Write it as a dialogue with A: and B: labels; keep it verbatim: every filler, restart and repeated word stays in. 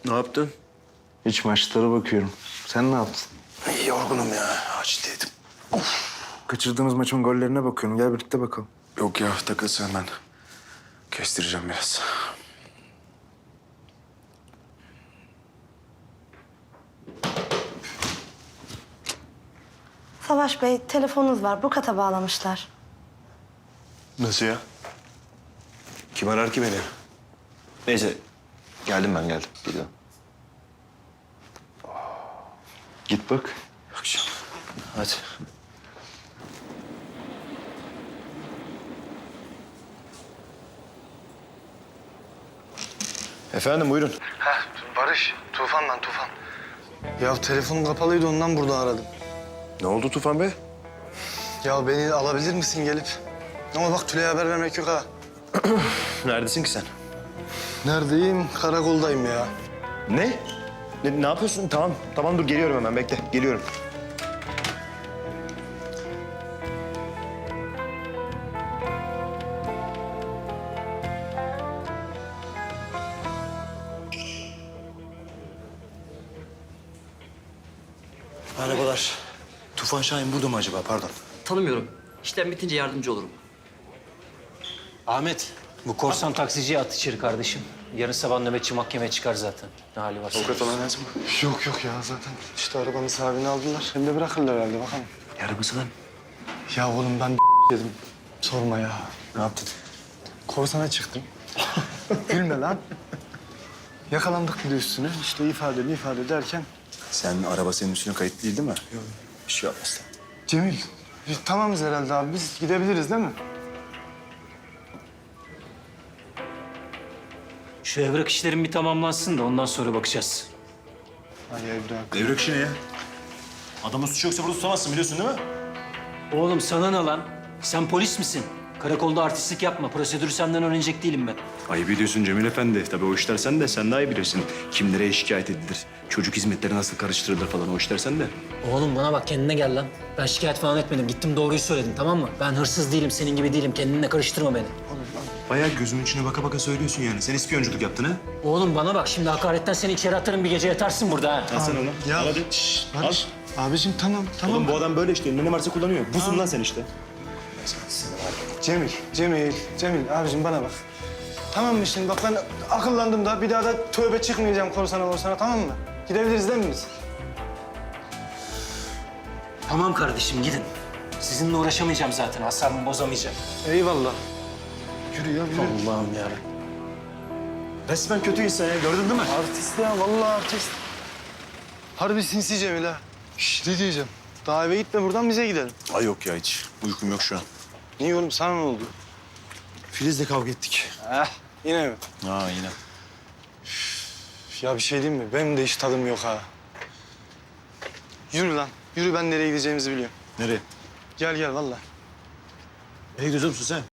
A: Ne yaptın?
B: Hiç maçlara bakıyorum. Sen ne yaptın?
A: İyi yorgunum ya. Aciliydim.
B: Kaçırdığımız maçın gollerine bakıyorum. Gel birlikte bakalım.
A: Yok ya takılsın ben. Kestireceğim biraz.
C: Savaş Bey, telefonunuz var. Bu kata bağlamışlar.
A: Nasıl ya? Kim arar ki beni? Neyse. Geldim ben geldim. Geliyorum.
B: Git bak.
A: Akşam. Hadi. Efendim buyurun.
D: Heh, Barış, Tufan ben Tufan. Ya telefonum kapalıydı ondan burada aradım.
A: Ne oldu Tufan Bey?
D: Ya beni alabilir misin gelip? Ama bak Tülay'a haber vermek yok ha.
A: Neredesin ki sen?
D: Neredeyim? Karakoldayım ya.
A: Ne? Ne, ne yapıyorsun? Tamam, tamam dur geliyorum hemen bekle. Geliyorum. Merhabalar. Tufan Şahin burada mı acaba? Pardon.
E: Tanımıyorum. İşlem bitince yardımcı olurum.
F: Ahmet, bu korsan taksiciye at içeri kardeşim. Yarın sabah nöbetçi mahkemeye çıkar zaten. Ne hali varsa.
A: Avukat falan lazım mı?
D: Yok yok ya zaten işte arabanın sahibini aldılar. Hem de bırakırlar herhalde bakalım.
A: Arabası lan.
D: Ya oğlum ben dedim. Sorma ya.
A: Ne yaptın?
D: Korsana çıktım. Gülme lan. Yakalandık bir de üstüne. İşte ifade ifade derken.
A: Sen araba senin üstüne kayıtlı değil değil mi? Yok. Bir şey yapmaz.
D: Cemil, biz tamamız herhalde abi. Biz gidebiliriz değil mi?
F: Şu evrak işlerin bir tamamlansın da ondan sonra bakacağız.
D: Ay evrak.
A: Devrik işi ne ya? Adamın suçu yoksa burada tutamazsın biliyorsun değil mi?
F: Oğlum sana ne lan? Sen polis misin? Karakolda artistlik yapma. Prosedürü senden öğrenecek değilim ben.
G: Ayıp ediyorsun Cemil Efendi. Tabii o işler sen de, sen daha iyi bilirsin. Kimlere şikayet edilir, çocuk hizmetleri nasıl karıştırılır falan o işler sen de.
F: Oğlum bana bak, kendine gel lan. Ben şikayet falan etmedim. Gittim doğruyu söyledim, tamam mı? Ben hırsız değilim, senin gibi değilim. Kendinle karıştırma beni.
G: Bayağı gözümün içine baka baka söylüyorsun yani. Sen ispiyonculuk yaptın ha?
F: Oğlum bana bak, şimdi hakaretten seni içeri atarım, bir gece yatarsın burada ha.
G: Al sen onu.
D: Ya
G: Al hadi.
D: şşş, Barış. Abicim tamam tamam.
G: Oğlum bu adam böyle işte. Ne varsa kullanıyor. Busun lan sen işte.
D: Cemil, Cemil, Cemil abicim bana bak. Tamam mı şimdi bak ben akıllandım da bir daha da tövbe çıkmayacağım korsana morsana tamam mı? Gidebiliriz değil mi biz?
F: Tamam kardeşim, gidin. Sizinle uğraşamayacağım zaten, asabımı bozamayacağım.
D: Eyvallah. Yürü ya yürü.
F: Allah'ım yarabbim.
A: Resmen kötü insan ya gördün değil mi?
D: Artist ya vallahi artist. Harbi sinsi Cemil ha. Şşş ne diyeceğim? Daha eve gitme buradan bize gidelim.
A: Ay yok ya hiç. Uykum yok şu an.
D: Niye oğlum sana ne oldu?
A: Filiz'le kavga ettik.
D: Eh yine mi?
A: Ha yine.
D: Ya bir şey diyeyim mi? Benim de hiç tadım yok ha. Yürü lan. Yürü ben nereye gideceğimizi biliyorum.
A: Nereye?
D: Gel gel vallahi.
A: Nereye gidiyorsun sen?